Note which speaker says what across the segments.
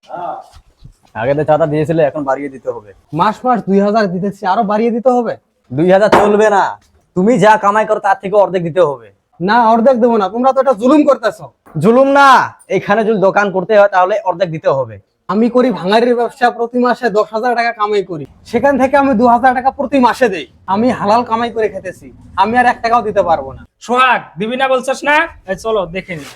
Speaker 1: আগে তো চাঁদা দিয়েছিলে, এখন বাড়িয়ে দিতে হবে।
Speaker 2: মাস মাস 2000 দিতেছি, আরো বাড়িয়ে দিতে হবে?
Speaker 1: 2000 চলবে না, তুমি যা কামাই করো তার থেকে অর্ধেক দিতে হবে।
Speaker 2: না, অর্ধেক দেবো না, তোমরা তো এটা জুলুম করতেছো।
Speaker 1: জুলুম না, এখানে যদি দোকান করতে হয় তাহলে অর্ধেক দিতে হবে।
Speaker 2: আমি করি ভাঙারির ব্যবসা, প্রতি মাসে 10,000 টাকা কামাই করি, সেখান থেকে আমি 2000 টাকা প্রতি মাসে দেই। আমি হালাল কামাই করে খেতেছি, আমি আর 1 টাকাও দিতে পারবো না।
Speaker 3: সোহাগ, দিবি না বলছস না? এই চলো দেখে নি।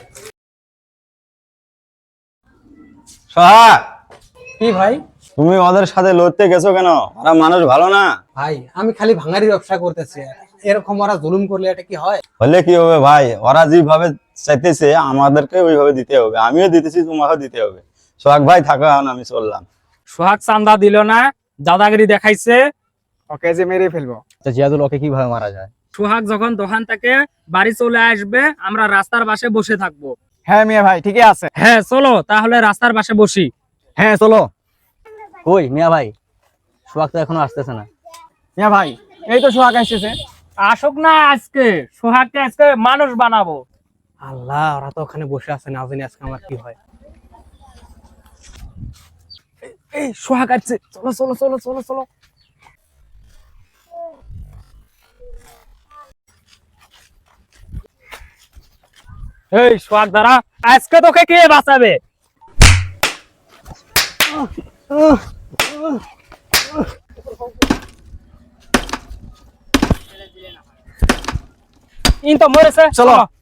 Speaker 4: সোহাগ,
Speaker 2: কি ভাই?
Speaker 4: তুমি ওদের সাথে লড়তে গেছো কেন? ওরা মানুষ ভালো না।
Speaker 2: ভাই আমি খালি ভাঙারির ব্যবসা করতেছি, এরকম ওরা জুলুম করলে এটা কি হয়?
Speaker 4: হলে কি হবে ভাই, ওরা যেভাবে চাইতেছে আমাদেরকে ওইভাবে দিতে হবে, আমিও দিতেছি, তোমাকেও দিতে হবে। সোহাগ ভাই থাকো, এখন আমি চললাম।
Speaker 3: সোহাগ চান্দা দিল না, দাদাগিরি দেখাইছে।
Speaker 2: ওকে যে মেরে ফেলবো।
Speaker 1: তো জিয়াদুল ওকে কিভাবে মারা যায়?
Speaker 3: সোহাগ যখন দোকান থেকে বাড়ি চলে আসবে, আমরা রাস্তার পাশে বসে থাকবো।
Speaker 2: হ্যাঁ মিয়া ভাই, ঠিকই আছে।
Speaker 3: হ্যাঁ চলো তাহলে রাস্তার পাশে বসি।
Speaker 1: হ্যাঁ চলো। কই মিয়া ভাই, সোহাগ তো এখনো আসতেছে না।
Speaker 2: মিয়া ভাই, এই তো সোহাগ আসছে।
Speaker 3: আসুক না, আজকে সোহাগকে আজকে মানুষ বানাবো।
Speaker 2: আল্লাহ, ওরা তো ওখানে বসে আছে, না জানি আজকে আমার কি হয়।
Speaker 3: এই সোহাগ আসছে, চলো চলো চলো চলো চলো। এই সোহাগ দাঁড়া, আজকে তোকে কে বাঁচাবে? ইন তো মরেছে,
Speaker 1: চলো।